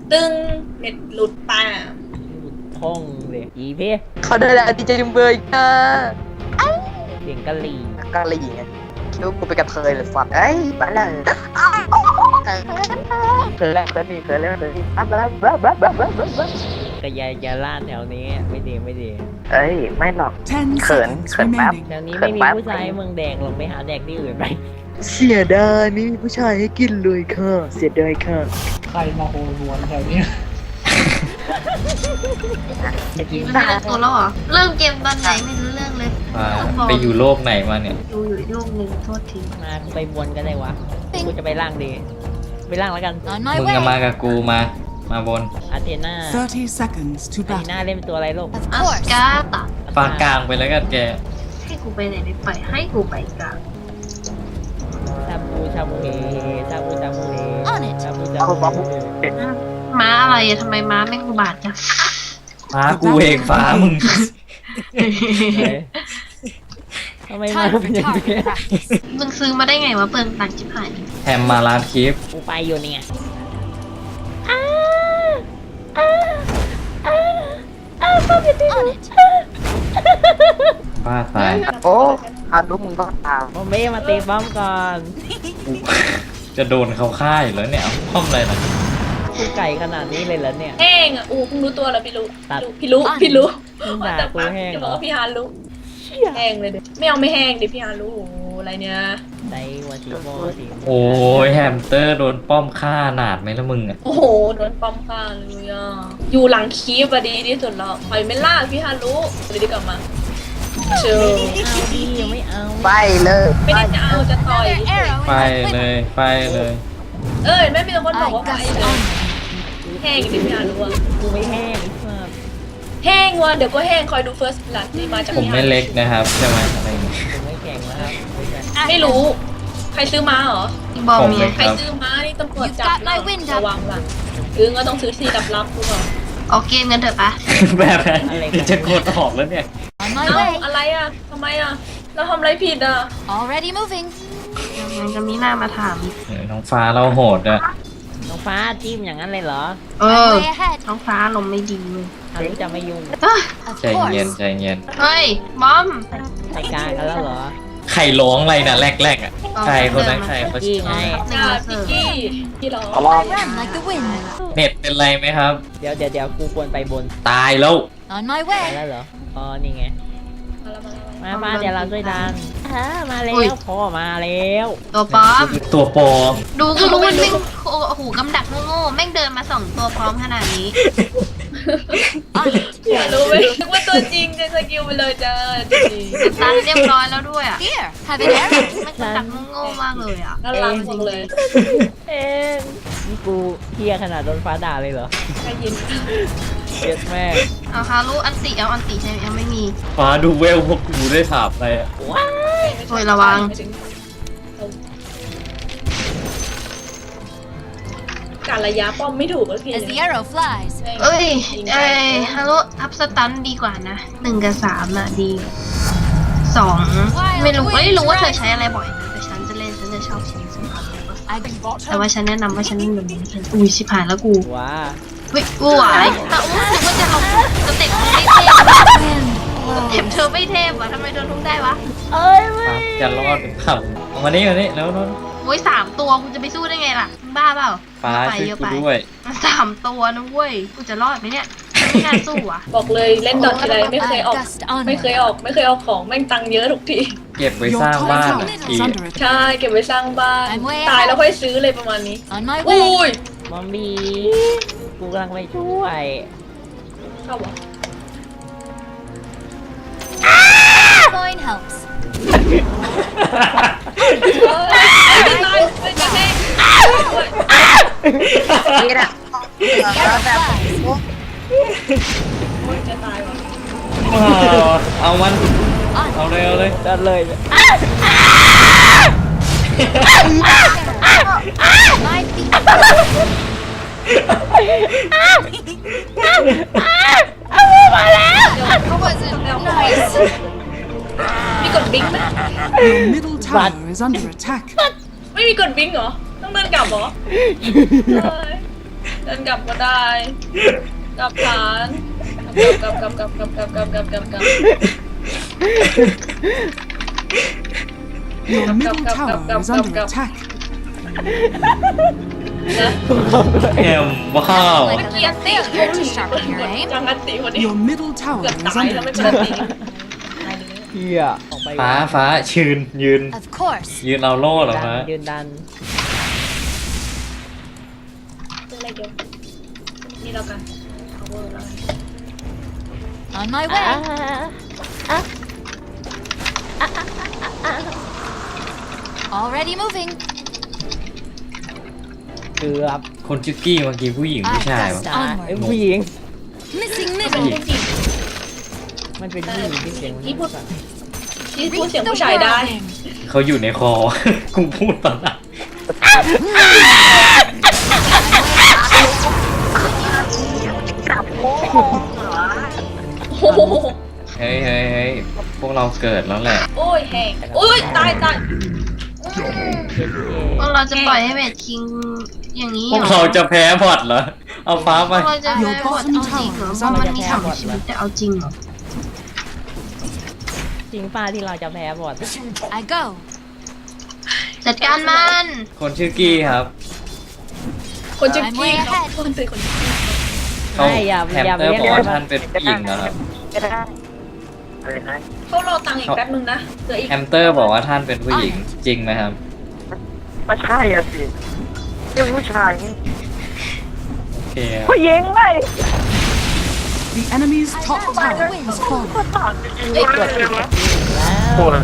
ตึงเน็ตหลุดป่าห้องเลยอีเพ่เขาได้แล้วดีใจจุงเบยค่ะเสียงกะหรี่กะหรี่ไงคิดว่ากูไปนกระเทยเลยสัตว์เอ้ยไปเลยเคยแล้วเคยนี่เคยแล้วเคยนี่บ้ากระยาล่าแถวนี้ไม่ดีไม่ดีเอ้ยไม่หรอก 10 เขิน seconds เขินแป๊บ remaining. แถวนี้ไม่มีผู้ชายเมืองแดงลงไปหาแดกที่อื่นไปเสียดายนี่ผู้ชายให้กินเลยค่ะเสียดายค่ะใครมาโหรวนแถวเนี้ยจะกินมันได้เริ่มตัวแล้วเหรอ เริ่มเกมตอนไหนไม่รู้เรื่องเลยไปอยู่โลกไหนมาเนี่ยดูอยู่อีกโลกหนึ่งโทษทีมาไปบนก็ได้วะกูจะไปล่างดีไปล่างแล้วกันมึงก็มากับกูมาบนอาเทน่า 30 seconds to อาเทน่า battle. เล่นเป็นตัวอะไรลูกอัสกาตะฟากกลางไปแล้วกันแกให้กูไปไหนไม่ไปให้กูไปกลางชาบูชาบูเฮชาบูชาบูเฮชาบูชาเอาบูบ๊อบม้าอะไรอะทำไมม้าแม่งอุบาทจังฟ้ากูเองฟ้ามึงทำไมมาเป็นอย่างนี้มึงซื้อมาได้ไงวะเปลืองตังค์ชิบหายแถมมาร้านคลิปกูไปอยู่เนี่ยบ้าตายโอ้อาลูกมึงต้องตามโมเม่มาตีป้อมก่อนกูจะโดนเขาฆ่าอยู่แล้วเนี่ยเอาป้อมอะไรล่ะกูไก่ขนาดนี้เลยเหรอเนี่ยแห้งอ่ะอู้เพิ่งรู้ตัวแล้วพี่รู้ตัดพี่รู้มึงด่าแต่กูปักแห้งจะเหบรอกอว่าพี่ฮารู้แห้งเลยเดี๋ยวไม่เอาไม่แห้งดิพี่ฮารู้โอ้โหอะไรเนี่ยไดวาติโมติโอ้ยแฮมสเตอร์โดนป้อมฆ่าหนาดไหมละมึงอ่ะโอ้โหโดนป้อมฆ่าเลยอ่ะอยู่หลังคีบอะดีที่สุดแล้วปล่อยไม่ล่าพี่ฮารู้เลยดีกลับมาเชิญเอาดิยังไม่เอาไปเลยไม่ได้จะเอาจะต่อยไปเลยไปเลยเอ้ยไม่มีคนบอกว่าไปเลยแห้งดิพี่ฮารู้อะกูไม่แห้งไอ้สัสแห้งว่ะเดี๋ยวก็แห้งคอยดูเฟิร์สลัดนี่มาจากผมพี่ฮาไม่เล็กนะครับใช่ไหมอะไรอย่างเงี้ยกูไม่แข็งแล้วครับไม่รู้ ใครซื้อมาเหรออีบอมผมเนี่เลย ยใครซื้อมานี่ตำรวจจับนะระวังล่ะซื้อก็ต้องซื้อที่ลับๆกูก่อนออกเกมกันเถอะปะแบบนั้นจะกดออกแล้วเนี่ยเอ้าอะไรอ่ะทำไมอ่ะเราทำอะไรผิดอ่ะ Already moving. ยังจะมีหน้ามาถามอีกน้องฟ้าเราโหดอะน้องฟ้าจิ้มอย่างนั้นเลยเหรอเออ Way ahead. ท้องฟ้าลมณ์ไม่ดีเลยทางนี้จะไม่ยุ่งเอ้ย Of ใจเย็น course. ใจเย็นเฮ้ยบอมใส่กลางกันแล้วเหรอใครร้องอะไรนะแรกๆอ่ะใครคนนั้นใครเขาพี่ไงจ้าพี่กี้พี่ร้องเอาว่า Run like the wind. เน็ตเป็นไรไหมครับเดี๋ยวกูควรไปบนตายแล้ว On my ไป way. แล้วเหรอ อ๋อ นี่ไง มาฟ้าเดี๋ยวเราช่วยดันมาแล้อุ๊ยวพ่อมาแล้วตัวป๊อมตัวปลอมดูก็รู้ว่าแม่งโอ้โหกำดักโง่ๆแม่งเดินมา2ตัวพร้อมขนาดนี้ On it. อยากรู้ไหมนึกว่าตัวจริงจะสกิลไปเลยจ้าจริงตันเรียบร้อยแล้วด้วยอ่ะ Here. Have an arrow. แม่งกำดักโง่ๆมากเลยอ่ะน่ารักจังเลยเอ็นนี่กูเฮียขนาดโดนฟ้าด่าเลยเหรอใครยินเจ็ดแม่เอาฮารุอันติเอาอันติใช่ไหมยังไม่มีฟ้าดูเวลพวกกูได้ถามอะไรอะโอ้ยระวังการระยะป้อมไม่ถูกแล้วพี่ As the arrow flies. เอ้ยฮารุอัพสตันดีกว่านะ1 กับ 3อ่ะดี2ไม่รู้ว่าเธอใช้อะไรบ่อยนะแต่ฉันจะเล่นฉันจะชอบชิ้นสุด I แต่ว่าฉันแนะนำว่าฉันเล่นแบบนี้ฉันอุ้ยชิบหายแล้วกูว้าวิกูหวายแต่อู้รู้สึกว่าจะลงสเต็ปไม่เทพสเต็ปเธอไม่เทพวะทำไมโดนทุกได้วะเอ้ยไม่ฟ้าจะรอดหรือเปล่าเอามานี่มานี่แล้วนนโอ้ย3 ตัวกูจะไปสู้ได้ไงล่ะมึงบ้าเปล่าฟ้าไปช่วยเยอะกูไปด้วย 3 ตัวนะเว้ยกูจะรอดไหมเนี่ยไม่น่าสู้อ่ะบอกเลยเล่นดอททีไรไม่เคยออก gust ไม่เคย onward. ออกของแม่งตังค์เยอะทุกทีเก็บไว้ Your สร้าง top บ้าน tower อะ is ที under attack. ใช่เก็บไว้สร้างบ้าน I'm way ตาย ahead. แล้วค่อยซื้อเลยประมาณนี้ On my อุ้ way. ยมอมบี้กูกำลังไปช่วยเข้าวะ Coin helps. ไม่ตายไม่จะแห้งนี่แหละ Arrow flies. จะตายวะเอามันเอาเลยเอาเลยดันเลย My feet. มีกดบิงไหม Your middle tower is under attack. ไม่มีกดบิงเหรอต้องเดินกลับเหรอเฮ้ยเดินกลับก็ได้กลับฐานกลับ Your middle tower is under attack. นะแอมว้าว Like a little failure to sharpen your aim. จังกันตีคนนี้ Your middle tower เกือบ is ตาย under แล้วไม่เป็น attack. ตีเฮียออกไปฟ้ายืน Of course. ยืนเอาโล่เหรอดัฟ้านยืนดันเจออะไรเดียวนี่แล้วกันเอาเวอร์แล้วกัน On my อ่า way. Already moving. เกือบคนชื่อกี้เมื่อกี้ผู้หญิงผู้ชายวะจ้าไอ้ผู้หญิง Missing เป็น middle. ผู้หญิงมันเป็นผู้หญิงที่เสียงที่พูดเสียงผู้ชายได้เขาอยู่ในคอ กูพูดตอนนั้นโอ้โหเฮ้ยพวกเราเกิดแล้วแหละโอ้ยแห้งโอ้ยตายพวกเราจะปล่อยให้เวทคิงอย่างนี้พวกเราจะแพ้พอดเหรอ เอาฟ้าพไปวกเราจะไม่บทเอาจริงเหรอเพราะมันมี2ชีวิตแต่เอาจริงเหรอจริงป้าที่เราจะแพ้บอด I go. จัดการมันคนชื่อกี้ครับคนจะกี้เขาคนเป็นคนเขาไม่อย่าแฮมอย่าเตอร์เรียกบอกว่าว่าท่านเป็นผู้หญิงนะครับไม่ได้อะไรนะเขารอตังค์อีกแป๊บนึงนะเหลืออีกแฮมเตอร์บอกว่าท่านเป็นผู้หญิงจริงไหมครับไม่ใช่อะสิเป็นผู้ชายโอเคผู้หญิงไม่ The enemy's top tower has fallen. เอ้ยโอ้ย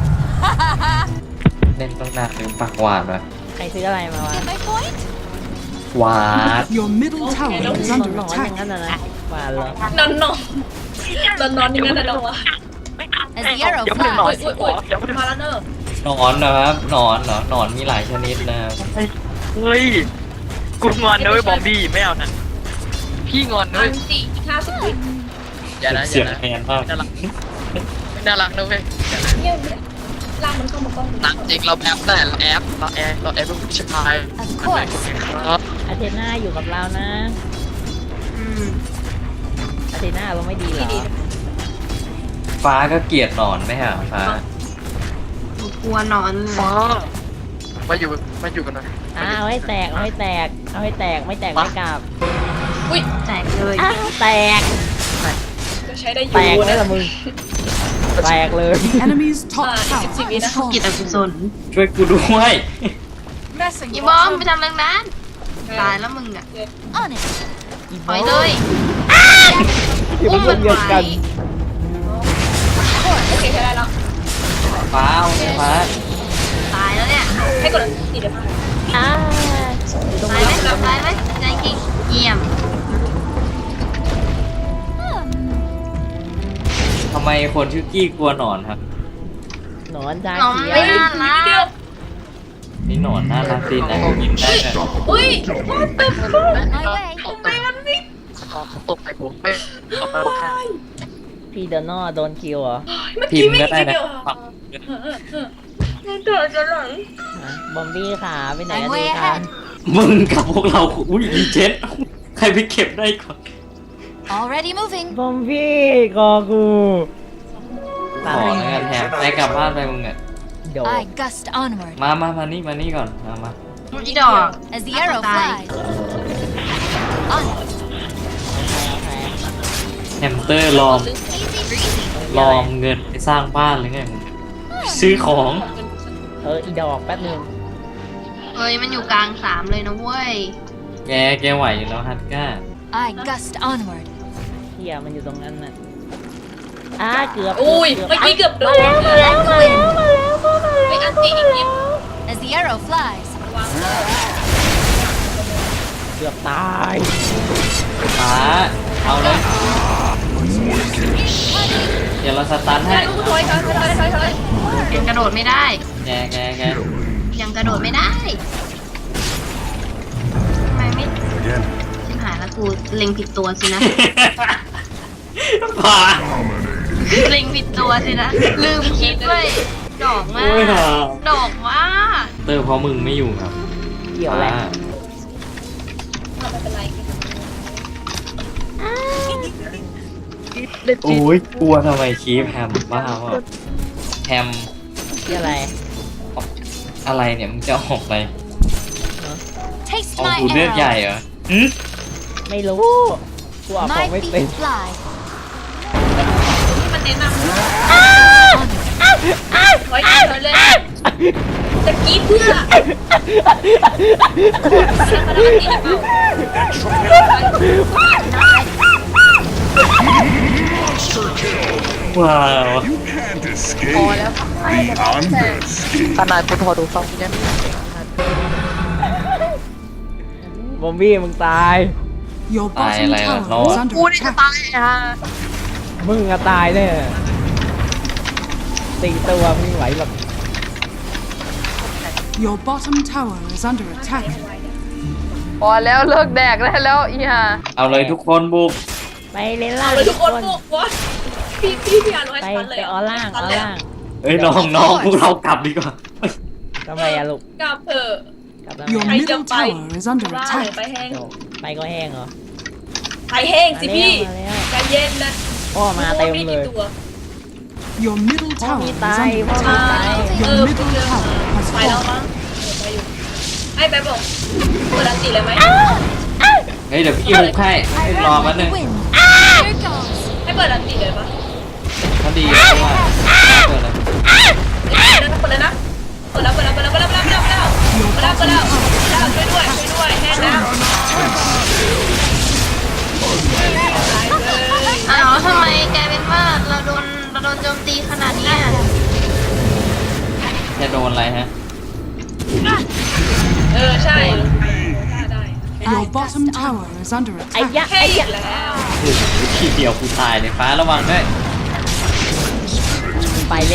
เล่นต้องหนักหรือปากหวานวะใครซื้ออะไรมาวะ Get my point? หวาน Your middle tower is นอน under นอนอย่าง attack. นั้นนะนะหวานเหรอนอนอย่างนั้นนะน้องวะ As the arrow อุ้ย flies. มาแล้วเนอะหนอนนะครับหนอนเหรอหนอนมีหลายชนิดนะครับเฮ้ยกูงอนนะเว้ยบอมบี้ไม่เอานะพี่งอนนะอัเว้ยนติ50 วิอย่านะอเสียย่าง นะแทนมากน่ารักไม่น่ารักนะเว้ยอย่านะเยี่ยมเลยลากมันเข้ามาก้อนหนักจริงเราแอปได้เราแอปเป็นผู้ชาย Of course. ครับอาเทน่าอยู่กับเรานะอืมอาเทน่าเราไม่ดีเหรอฟ้าก็เกลียดหนอนไหมฮะฟ้าหนูกลัวหนอนเลยฟ้ามาอยู่กันหน่อยเอาให้แตกเอาให้แตกเอาให้แตกไม่แตกไม่กลับอุ้ยแตกเลยอ้าวแตกก็ใช้ได้อแตกยู่เลยนะละมึงแตกเลย The enemy's top Ah, tower it's a bit has กิจ fallen. อกุศลช่วยกูด้วยอีบอมไปทำเรื่องนั้นตายแล้วมึงอ่ะ On it. ปล่อยเลยอยู่อุ้มเป็มัน นเดียวไว้กันโอเคใช้ได้แล้วฟ้าเอาไงฟ้าตายแล้วเนี่ยให้กดติดเดี๋ยวมาอ่าตายไหมตายไหมใจกิ่งเยี่ยมทำไมคนชื่อกี้กลัวหนอนครับหนอนจ้าน้องเขียไม่วน่ารัเดียวกนี่หนอนน่ารักดีนะกินได้นะอุ้ย what the fuck On my way. ทำไมมันวิ่งตกไปผมไม่ตกไปผมพี่เดนอโดนคิวเหรอเมื่อพิกี้มพ์ไม่ก็ได้ทีนะเดียวเดือดจะหลังบอมบี้ขาไปไหน I'm กันดี way คะ ahead. มึงกับพวกเราอุ้ยรีเจ็ตใครไปเก็บได้ก่อน Already moving. บอมบี้กอกูขอแล้วกันแถมไปกลับบ้านไปมึงอ่ะโดด I gust onward. มานี่ก่อนมาอีดอก As the arrow Bye. flies. On it. แฮมสเตอร์ลอม Easy breezy. ลอมเงินไปสร้างบ้านหรือไงมึงซื้อของอีดอกแป๊บนึงเอ้ยมันอยู่กลาง3เลยนะเว้ยแกไหวอยู่แล้วฮัตก้า I gust onward. เฮียมันอยู่ตรงนั้นน่ะเกือบอุ้ยเมื่อกี้เกือบโดนมาแล้วไปอันติอีกนิด As the arrow flies. วางเลยเกือบตายฟ้าเอาเลยเดี๋ยวเราสตันให้ลูกถอยยังกระโดดไม่ได้แกยังกระโดดไม่ได้ทำไมไม่ชิมหายแล้วกูเล็งผิดตัวสินะฟ้าเล็งผิดตัวสินะ ลืมคิดเว้ยดอกมาโอ้ยกหาดอกมากเตอร์เพราะมึงไม่อยู่ครับเกี่ยวแหละฟ้าไม่เป็นไรโอ้ยกลัวทำไมคีฟแฮมบ้าวะแฮมที่อะไรอะไรเนี่ยมึงจะออกไป Taste ออก my ดูเลือดใหญ่ arrow. เหรอหืมไม่รู้กูออกขอ My งไม่เป็น feet fly. ที่มันแนะนำไว้เลยจะกรีดเพื่อว้าว You can't escape beyond this. ขนาดกูโทรดูฟังยังบอมบี้มึงตาย Your Ai bottom lại là tower nó. is under กูนี่จะ attack. ตายฮะมึงอะตายแน่ตีตัวมึงไหวหรอก Your bottom tower is under attack. พอแล้วเลิกแดกได้แล้วอีห่าเอาเลยทุกคนบุกไปเล่นล่าเอางเลยทุกคนบุกวะพี่อ่านไว้ไปทันเลยไปออล่างออล่างเอ้ยน้องพวกเรากลับดีกว่าทำไมอะลูกกลับเถอะกลับ Your ทำไม middle tower is under ล่าเลย attack. ไปแห้งโดไปก็แห้งเหรอไปแห้งสิพี่มาแล้วใจเย็นนะพ่อมาเต็มเลย Your middle พ่อ tower มี is ตาย under พ่อ attack. มีตาย Your middle tower has ไปแล้ว fallen. มั้งไปอยู่ไอ้แบบบอกเปิดอันติเลยไหมเฮ้ยเดี๋ยวพี่บุกให้รอมาหนึ่ง Wind. Here goes. ให้เปิดอันติเลยปะพอดีเพราะว่าเปิดเลยเปิดเลยนะเปิดแล้วช่วยด้วยแห้งนะอ้าวทำไมกลายเป็นว่าเราโดนโจมตีขนาดนี้อะจะโดนอะไรฮะใช่ได้ Your bottom tower is under ไอ้ attack. ยะแค่ไอ้อียะกแล้วทีเดียวกูตายเลยฟ้าระวังด้วยไปแล้ว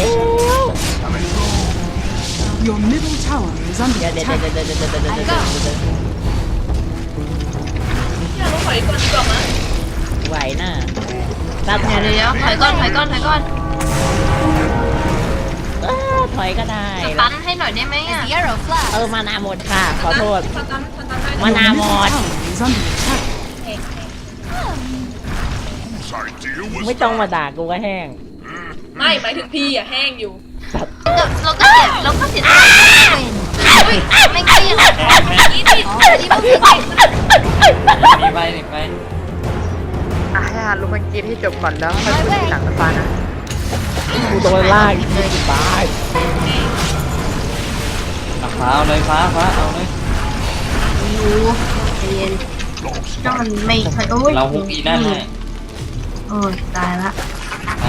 Your middle tower is under เดี๋ยว attack. พี่เราต้องถอยก่อนดีกว่ามั้ยไหวน่ะตัดเดี๋ยวถอยก่อนถอยก็ได้สตันให้หน่อยได้ไหม As อ่ะ the arrow เออ flies. มานาหมดค่ะ ขอโทษสตันให้มา Your นาหม middle ด tower is under attack. Sorry, dear. ไม่ต้องมาด่ากูก็แห้งไม่หมายถึงพี่อ่ะแห้งอยู่เราก็เสียดาย Wind. ไม่เกลี้ยง Already moving. มีไปนี่ไปอ่ะให้ฮารู้มันกินให้จบก่อนแล้วค่อยพูดทีหลังนะฟ้านะกูโดนลากตายฟ้าเอาเลยฟ้าเอาเลยใจเย็นก็มันไม่ค่อยโอ้ยเราฮุกอีนั่นให้โอ้ยตายละนะ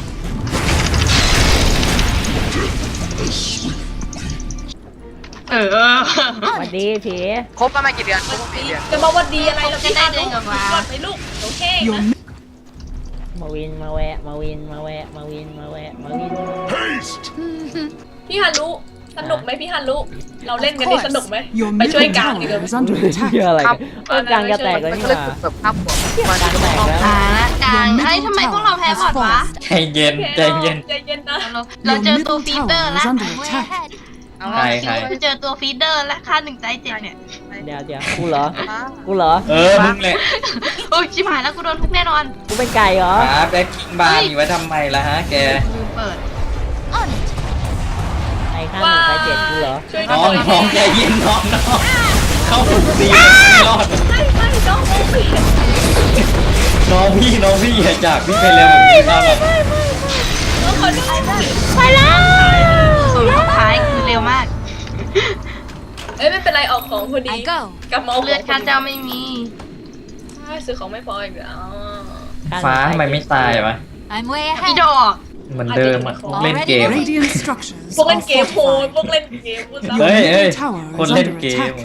สวัสดีผีครบประมาณกี่เดือนครบประมาณกี่เดือนจะบอกว่าดีอะไรเราพี่ได้เดินกับมาไปลูกโอเค Your นะมาวินมาแวะ มาวินมาแวะ มาวินมาแวะ มาวิน Haste. พี่ฮันรู้สนุกไหมพี่ฮันรู้เราเล่นกันนี่สนุกไหม your ไปช่วย middle กลางดีก tower ว่า is under เชื่อ attack. อะไรกันเออกลางจะแตกแล้วมันนี่ก็เลยหว่าแบบภาพหัวมันกลางแตกแล้วตายละกลางเฮ้ยทำไมพวกเราแพ้บอดวะใจเย็นใจเย็นใจเย็นนะเรา Your เจอตัว middle ฟีเดอร์ tower ละ is under I'm way attack. ahead. ใครเราเจอตัวฟีเดอร์และค่าหนึ่งใจเจ็บเนี่ยเดี๋ยวกูเหรอ กูเหรอมึงเลยโอ้ยชิบหายแล้วกูโดนทุกแน่นอนกูเป็นไก่เหรอฟ้าแบ็คคิงบาร์มีไว้ทำไมล่ะฮะแกลืมเปิด On it. ไอ้ข้าหนึ่งไอ้เจ็ดกูเหรอช่วยน้องใจเย็นน้องเข้าถูกตีไม่รอดไม่น้องไม่เปลี่ยนน้องพี่อย่าจากพี่ไปเร็วแบบนี้ครับน้องขอโทษไปแล้วส่วนสุดท้ายคือเร็วมากเอ้ยไม่เป็นไรออกของพอดี I go. กลับมาเอาขเลืออดงข้าเจ้าไม่มีซื้อของไม่พออีกแล้วฟ้าทำไมไม่ตายวะ I'm way พี่ ahead. ดอกเหมือนเดิมอ่ะเล่นเกม Radiant structures พวกเล่น are เกมโหด fortified. พวกเล่นเกมพูดเฮ้ย tower คน is เล่น under เกม attack.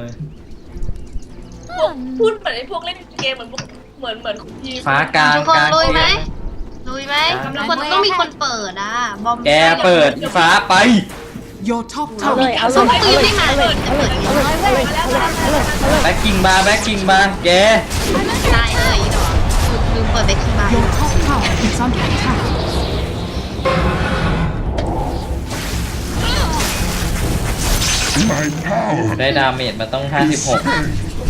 พูดเหมือนไอ้พวกเล่นเกมเหมือนพวกเหมือนยีฟ้ากลางทุกคนกลางลุยไหมเกมลุยไหมทุกคนต้องมีคนเปิดอ่ะ บอมแกเปิดอีฟ้าไป Your top เอาเลย tower เอา is เลย under เอาเลยไม่มาเลยจะเปิดยังไงแบ็คคิงบาร์แกตายเลยอีดอกลืมเปิดเบคคิงบาร์ Your top tower is under attack. ได้ดาเมจมาต้อง 56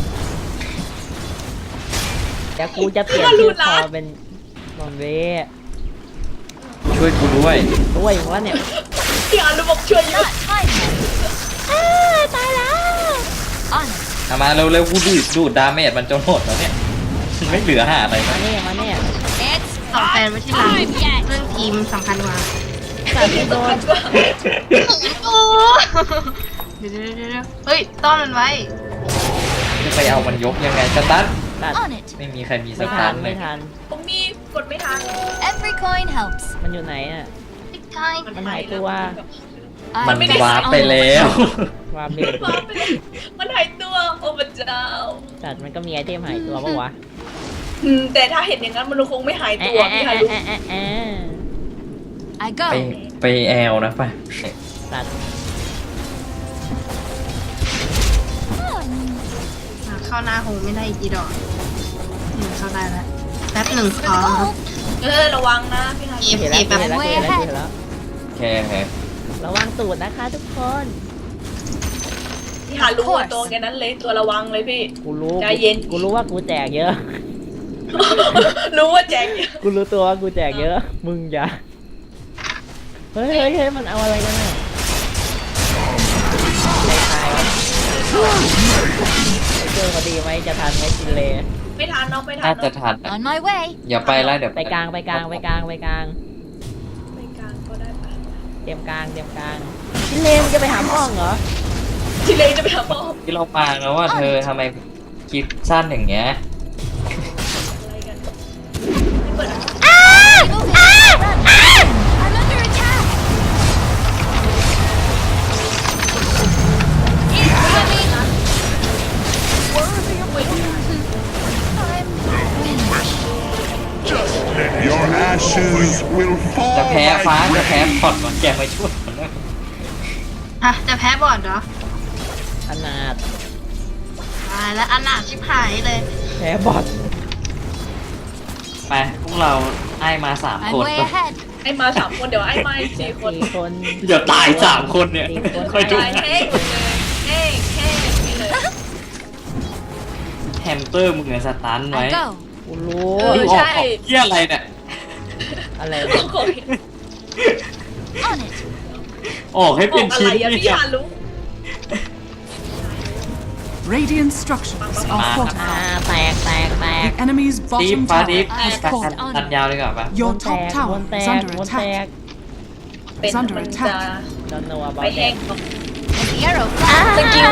เดี๋ยวกูจะเปลี่ยนชื่อคอเป็นบอมเบ้ช่วยกูด้วยด้วยวะเนี่ยพี่อารุบอกช่วยเยอะตายแล้ว On it. เอามาเร็วๆกูดูดดาเมจมันจนหมดแล้วเนี่ยไม่เหลือหาอะไรมาแล้วเนี่ยมาเนี่ย It's ต่อแฟนไว้ที่หลัง time yet. เรื่องทีมสำคัญกว่าสัตว์ที่โดนโอ้เดี๋ยวเฮ้ยต้อนมันไว้จะไปเอามันยกยังไงสตันสัตว์ On it. ไม่มีใครมีสไม่ตัทันนเลไม่ยทันผมมีกดไม่ทัน Every coin helps. มันอยู่ไหนอ่ะติ๊กไก่มันหายตัวมัน I วาร์ปไปแล้ววาเบดวาร์ปไปเลยมันหายตัวโอ้พระเจ้าสัตว์มันก็มีไอเทมหายตัวปะวะแต่ถ้าเห็นอย่างนั้นมันคงไม่หายตัวพี่ฮารุ I ไป go. ไปแอลนะไปสัตว์เข้าหน้าโฮไม่ได้อีกกี่ดอกเข้าได้แล้วแป๊บหนึ่งพอครับระวังนะพี่ฮารุเห็นแล้วเห็นแล้วเห็นแล้วเห็นแล้วโอเคระวังตูดนะคะทุกคนพี่ฮารุตัวแกนั้นเลยตัวระวังเลยพี่กูรู้ใจเย็นกูรู้ว่ากูแจกเยอะรู้ว่าแจกเยอะกูรู้ตัวว่ากูแจกเยอะ มึงอย่าเฮ้ยเฮ้ยมันเอาอะไรกันอ่ะไม่ตายวะเจอพอดีไหมจะทันไหมจินเลไม่ทันเนาะไม่ทัน่าน จะเนาะทันนะ On my way. อย่าไปแล้วเดี๋ยวไปกลางไปกลางไปกลางไปกลางไปกลางก็ได้ปะเตรียมกลางเตรียมกลางจินเลมึงจะไปหาพ่องเหรอทีเลจะไปหาพ่อที่เรามาแล้วว่าเธอทำไมคลิปสั้นอย่างเงี้ยอะไรกันไม่เปิด I'm under attack. Your ashes will จะ fall แพ้ฟ้า like จะแพ้ rain. พอดมันแกมาช่วยมันด้วยอ่ะจะแพ้บอร์ดเหรอขนาดตายแล้วอนาถชิบหายเลยแพ้บอทไปพวกเราไอ้มา3 I'm คน way ahead. ไอ้มา3 คนเดี๋ยวไอ้มาอีก4 คน 4 คนอย่าตาย3 คนเนี่ย 4 คนค่อยดูตายแห้งหมดเลยแห้งอย่างนี้เลยแฮมสเตอร์มึงอะสตันไว้ I go. กูรู้มึงออกเที่ยอะไรเนี่ยอะไรโอ้โห On it. ออกให้อเป็อน กอะชิ้ไรนอะเนี่พี่ยฮารุ Radiant structures are อ่า fortified. แตกแตกแตก The enemy's ดีฟ bottom ฟ้าดีฟ tower has ตัด fallen. ตัดยาวดีกว่าปะ Your ว top น tower แต is ก under วนแต attack. กเป็น It's under มัน attack. จะดอนโนวาบอไปลแตแห้งก The arrow flies. สกิล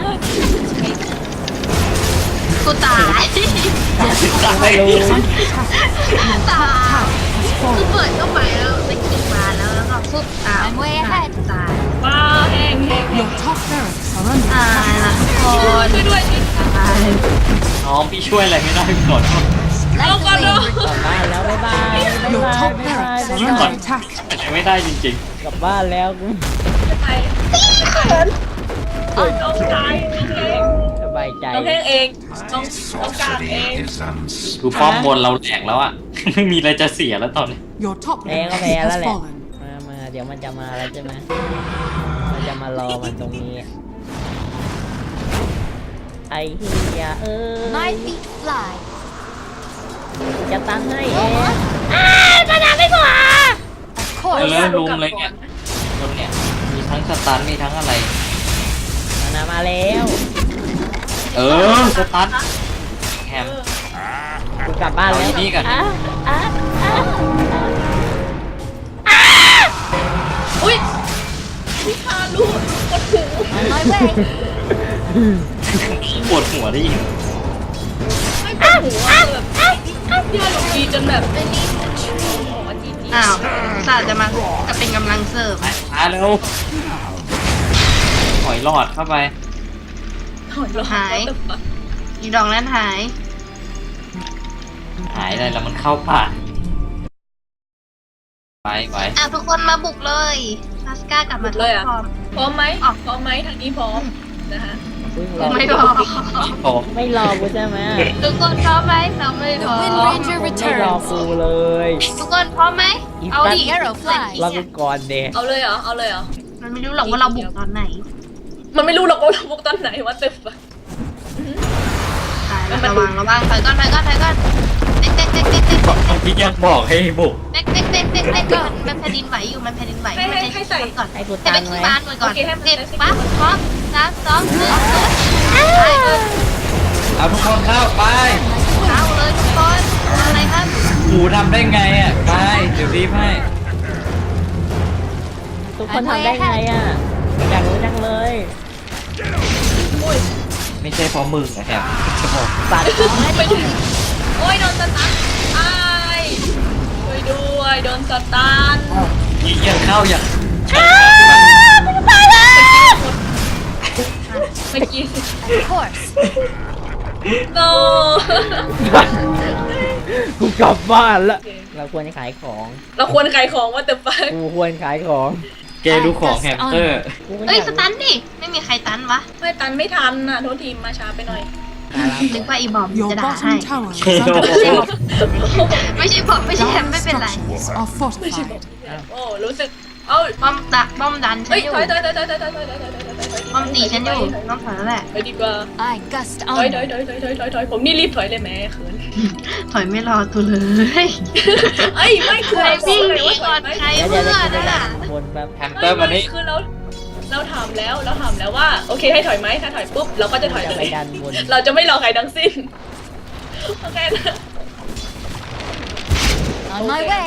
กูตายไม่รู้ตายกูเปิดเข้าไปแล้วได้กินมาแล้วก็ปุ๊บอ้าว I'm way ahead. ตายว้าแห้ง Your top barracks are under ตายละคนช่วยด้วยช่วยตายน้องพี่ช่วยอะไรไม่ได้ก่อนเอาก่อนเนาะกลับบ้านแล้วบ๊ายบายบ๊าย Your บาย top บ๊ายบาย barracks บ๊าย are บาย under attack. ไม่ได้จริงกลับบ้านแล้วกูไปน้องตายน้องแห้งสบายใจน้องแห้งเองน้องกลางเองๆดูป้อมบนเราแหลกแล้วอะ ไม่มีอะไรจะเสียแล้วตอนนี้ Your top แพ้ก็ barracks แพ้แล้ว has แหละ fallen. มาเดี๋ยวมันจะมาแล้วใช่ไหมมันจะมารอมันตรงนี้ไอ้เฮีย My feet fly. จะตั้งให้เอง Of เอ course. อลุมเลยเนี่ยตรงเนี่ยมีทั้งสตันมีทั้งอะไรมาแล้วเออสตันแฮมกูกลับบ้านแล้วเอาที่นี่ก่อนอุ้ยพี่ฮารุกดหู On my way. ปวดหัวได้ยินไม่กดหูอะแบบพี่ฮารุดีจนแบบไม่นี่อ๋อจีอ้าวศาสตร์จะมาจะเป็นกำลังเสริมไปช้าเร็วถอยหลอดเข้าไปหาย อีดอกนั้นหายหายอะไรแล้วมันเข้าป่าไปอ่ะทุกคนมาบุกเลยลาสก้ากลับมาเลยอ่ะพร้อมพร้อมไหมพร้อมไหมทางนี้พร้อมนะฮะไม่พร้อมโอ้ไม่รอกูใช่ไหมทุกคนพร้อมไหมเราไม่พ The ร้อม Wind Ranger ไม่รอ returns. กูเลยทุกคนพร้อมไหมเอาดิ The arrow flies. รอกูก่อนเดะเอาเลยเหรอเอาเลยเหรอมันไม่รู้หรอกว่าเราบุกตอนไหนมันไม่รู้หรอกว่าเราบุกตอนไหนว่าตึกอะตายแล้วระวังถอยก่อนเด็กพี่ยังบอกให้บุกเด็กมันแผ่นดินไหวอยู่มันแผ่นดินไหวให้ใส่ก่อนให้กูให้ตัเป็น นไว้ที่บ้านก่อนก่อนโอเคให้มันเด็ดได้สิปั๊บพร้อม3 2 1 เอาทุกคนเข้าไปเข้าเลยทุกคนอะไรครับหมูทำได้ไงอ่ะไปเดี๋ยวรีบให้ทุกคนทำได้ไงอ่ะอยากรู้จังเลยไม่ใช่เพราะมึงนะแฮมจะบอกสัตว์ไปถึงโอ้ยโดนสตันไอ้ายช่วยด้วยโดนสตันยิงยังเข้าอย่างเมื่อกี้ Of course. no กูกลับบ้านละเราควรจะขายของเราควรขายของว่าแต่ฟังกูควรขายของเกย์รู้ของแฮมสเตอร์กูก็เอ้ยอยากสตันดิไม่มีใครตันวะไม่ตันไม่ทันน่ะโทษทีมมาช้าไปหน่อยนึกว่าอีบอม Your จะด่าให้ bottom tower เค is โล under ไม่ใช่บอมไม่ใช่แฮมไม่เป็นไร structures are fortified. โอ้รู้สึกเอ้าบอมดันฉันเฮ้ยอยู่ถอยบอมตีฉันอยู่ต้องถอยแล้วแหละไปดีกว่า I gust ถอย on. ผมนี่รีบถอยเลยแม่เขินถอยไม่รอตัวเลยเอ้ยไม่คือใครวิ่วิ่งงเลหยนีว่าถก่ออย นไหมใครเดี๋ยวเพื่เดี๋ยวอนเดี๋ยวนั่นน่ะวนแบบแฮมสเตอร์มานี่คือเราถามแล้วว่าโอเคให้ถอยไหมถ้าถอยปุ๊บเราก็จะถอยจะเลไปยดันวนเราจะไม่รอใครทั้งสิ้นโอเคนะ On my way.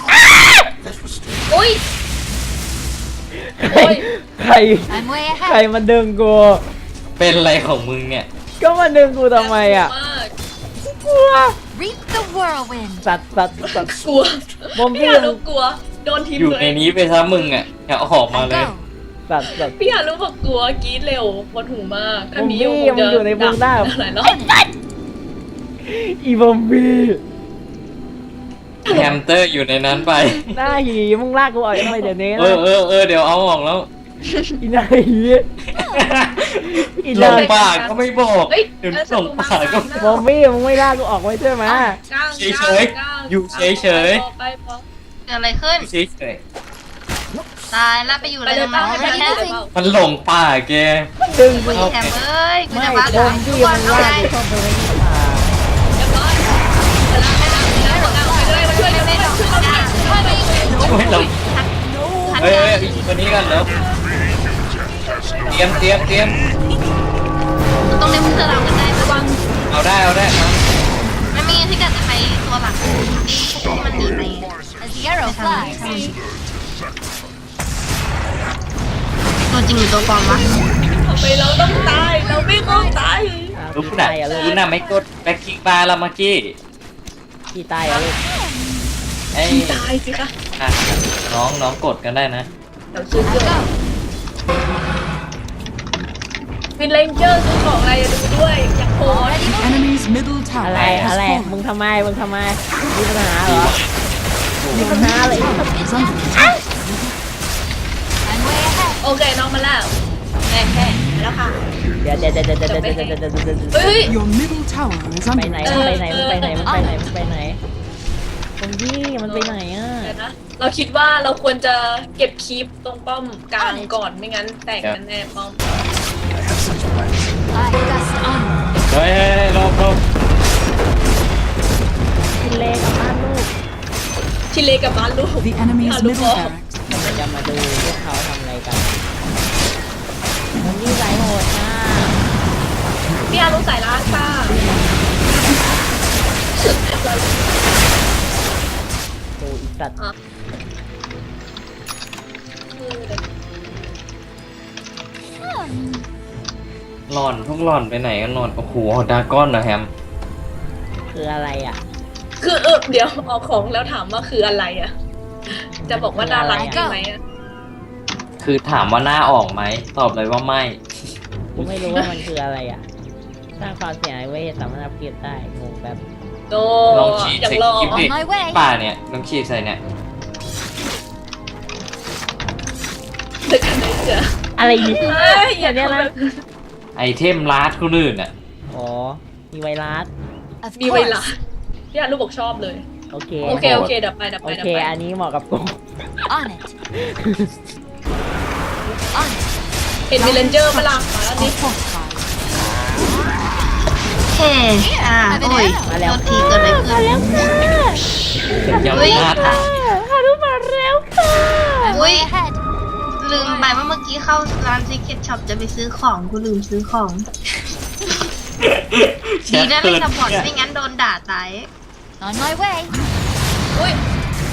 อุ้ยใครใคร I'm way ใคร ahead. มาดึงกูเป็นอะไรของมึงเนี่ยก็มาดึงกูทำไมอ่ะมากกลัว Reap the whirlwind. สัตว์กลัวบอมบี้พี่ฮารุกลัวโดนทีมอยู่ตัวในเองนี้ไปซะมึงอ่ะอย่าออกมาเลย I go. สัตว์พี่ฮารุบอกกลัวกรี๊ดเร็วปวดหูมากถ้ามีอยู่ผมอยู่ในวงได้หลายรอบอีบอมบี้แฮมสเตอร์อยู่ในนั้นไปหน้าหีมึงลากกูออกทำไมเดี๋ยวนี้เออเดี๋ยวเอาออกแล้วอีหน้าหีอีหหลน้างป่าก็ไม่บอกเฮ้ยเดี๋ยวหลงป่าก็บอมบี้มึงไม่ลากกูออกไว้ใช่ไหมเฉยๆอยู่เฉยๆไปพอเกิดอะไรขึ้นเฉยตายแล้วไปอยู่อะไรไปเลยตรงนั้นไปเลยๆมันหลงป่าแกดึงคุกูยแฮมเอ้ยกูไม่จะบบ้าอตาม ยบี้ทุกมึวันงเอาลาไงกกูเข้าไปในป่าเรียบร้อยไปแล้วไปเลยมาช่วยเร็วๆช่วยเราไม่หลงเฮ้ยตัวนี้กันแล้วเตรียมต้องเล่นเพื่อเรากันได้ระวังเอาได้มาไม่มีที่เกิดจะไปตัวหลักที่มันหนีไป As the arrow flies. ตัวจริงหรือตัวปลอมวะทำไมเราต้องตายเราไม่ต้องตายรู้น่ะรู้น่ะไม่กดแบ็คคิกบาร์ละเมื่อกี้ที่ตายอะลูกไอ้ตายสิคะน้องกดกันได้นะเดี๋ยวซื้อเกินวินเลนเจอร์ซื้อของอะไรดูด้วยอยากโพส Enemy's middle อะไร tower has อะไร fallen. มึงทำไมมีปัญหาเหรอมีปัญหาอะไร Is under attack. I'm way ahead. โอเคน้องมาแล้วแค่มาแล้วค่ะเดี๋ยวเฮ้ย Your middle tower is ไป under ไหน attack. มึงไปไหนบอมบี้มันไปไหนอ่ะเดี๋ยวนะเราคิดว่าเราควรจะเก็บคลิปตรงป้อมกลางก่อนไม่งั้นแตกกันแน่ป้อม I gust on. เฮ้ยรอบกินเลกับบ้านลูกชิเลกับบ้านลูก The enemy's ฮารุ middle บอก barracks เราจะมาดูพวกเขาทำอะไรกันบอมบี้สายโหดมากพี่ฮารุสายล้างค่ะดูอีสัตว์หล่อนพวกหล่อนไปไหนกันหล่อนโอ้โหดราก้อนนะแฮมคืออะไรอ่ะคือเดี๋ยวออกของแล้วถามว่าคืออะไรอ่ะ จะบอกว่าน่ารักใช่ไหมอ่ะคือถามว่าหน้าออกไหมตอบเลยว่าไม่กูไม่รู้ว่ามันคืออะไรอ่ะสร้างความเสียหายไว้สามารถอัพเกรดได้งงแบบโตลองฉีดอยากใส่ลองคลิปดิ On my way. ป่าเนี่ยลองฉีดใส่เนี่ยเด็กกันไหนเจออะไรนี่เอ้ยอย่าเนี้เนี้ยยนะนะไอเทมลาดคนอื่นอ่ะอ๋อมีไวรัส Of มีเวลา course. พี่ฮารุบอกชอบเลยโอเคโอเคเดี๋ยวไปโอเคอันนี้เหมาะกับกู On it. On it. เห็นมีเลนเจอร์มาลังมาแล้ว are นี่ fortified. เฮ้โอ้ยโทษทีเกิดอะไรขึ้นยังเฮ้ยลาดฮารุมาอุ้ยลืมไปว่าเมื่อกี้เข้าร้าน Secret Shop จะไปซื้อของกูลืมซื้อของ ดีนะเล่นกับบอทไม่งั้นโดนด่าตาย On my way. อุ้ย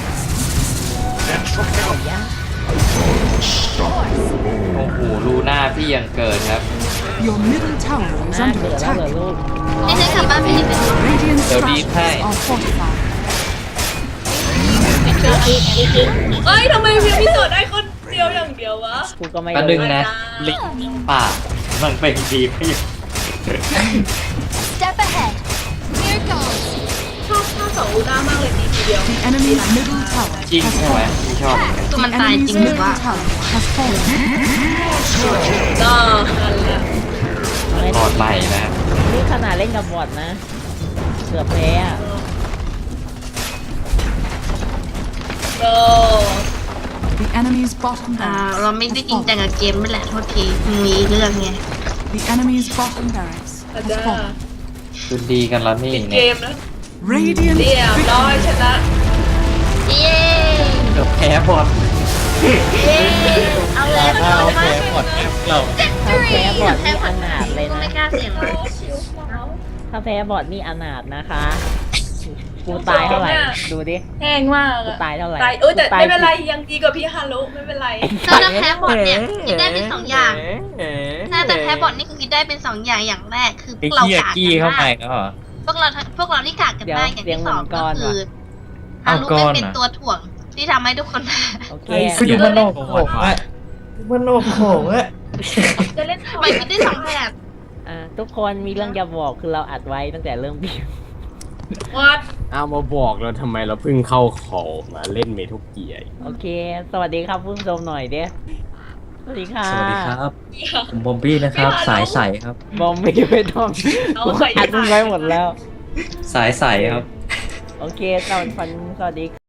โอ้โหรูหน้าพี่ยังเกิดครับ Your middle tower is น่า under เกิดแล้วเหรอ attack. ลูกนี่ฉันกลับบ้านไปดีเป็น Radiant They'll be structures fine. are fortified. เอ้ยทำไมเพียงพี่โสดได้คนเดียวอย่างเดียววะกูก็ไม่ก็ดึงรู้นะลิงป่ามันเป็นดีพี่ Step ahead. Here goes. ชอบท่าสองลูน่ามากเลยตีทีเดียว The enemy's middle tower จริง has ใช่ไหม fallen. พี่ชอบตัวมัน The ตายจ enemy's ริงหรือ middle ว่า tower has fallen. ก็นั่นแหละตอดใหม่นะนี่ขนาดเล่นกับบอทนะเกือบแพ้อะก็ The enemy's bottom เรา barracks ไม่ได้ has จริงจัง fallen. กับเกมไม่แหละโทษทีมีเรื่องไง The enemy's bottom barracks อาจ has จะ fallen. คือดีกันแล้วนี่ปิดเกเนี่ยมนะ Radiant เรียบร้อยช victory. นะเย้เกือบแพ้บอลเอาเลยถ้าเราแพ้บอลเราถ้าแพ้บอทนี่อนาถเลยกูนะไม่กล้าเสี่ยงเลยถ้าแพ้บอทนี่อนาถนะคะ กูตายเท่าไหร่ ดูดิแห้งมากกูอะตายเท่าไหร่ตายแต่กูตายไม่เป็นไรยังดีกว่าพี่ฮารุไม่เป็นไรถ้าจะแพ้บอทเนี่ยคิดได้เป็นสองอย่าง ถ้าจะแพ้บอทนี่คือคิดได้เป็นสองอย่างอย่างแรกคือพไอ้วกเราเกียกากกี้กันเข้าไปมากแล้วเหรอพวกเราที่กากกันมากอย่างที่สองก็คือฮาเอารุก้อนเป็นอะตัวถ่วงที่ทำให้ทุกคนแพ้โอเคคืออยู่มันโลกโขงอะมันโลกโขงอะจะเล่นทำไมคิดได้สองแบบทุกคนมีเรื่องจะบอกคือเราอัดไว้ตั้งแต่เริ่มพิมพ์วัดเอามาบอกเราทำไมเราเพิ่งเข้าขอมาเล่นเมทุกเกียร์โอเค สวัสดีครับผู้ชมหน่อยเด้สวัสดีค่ะสวัสดีครับผมบอมบี้นะครับ สายใสครับบอมไม่ไปทอมกูอัดมึงไว้หมดแล้วสายใสครับโอเคสวัสดี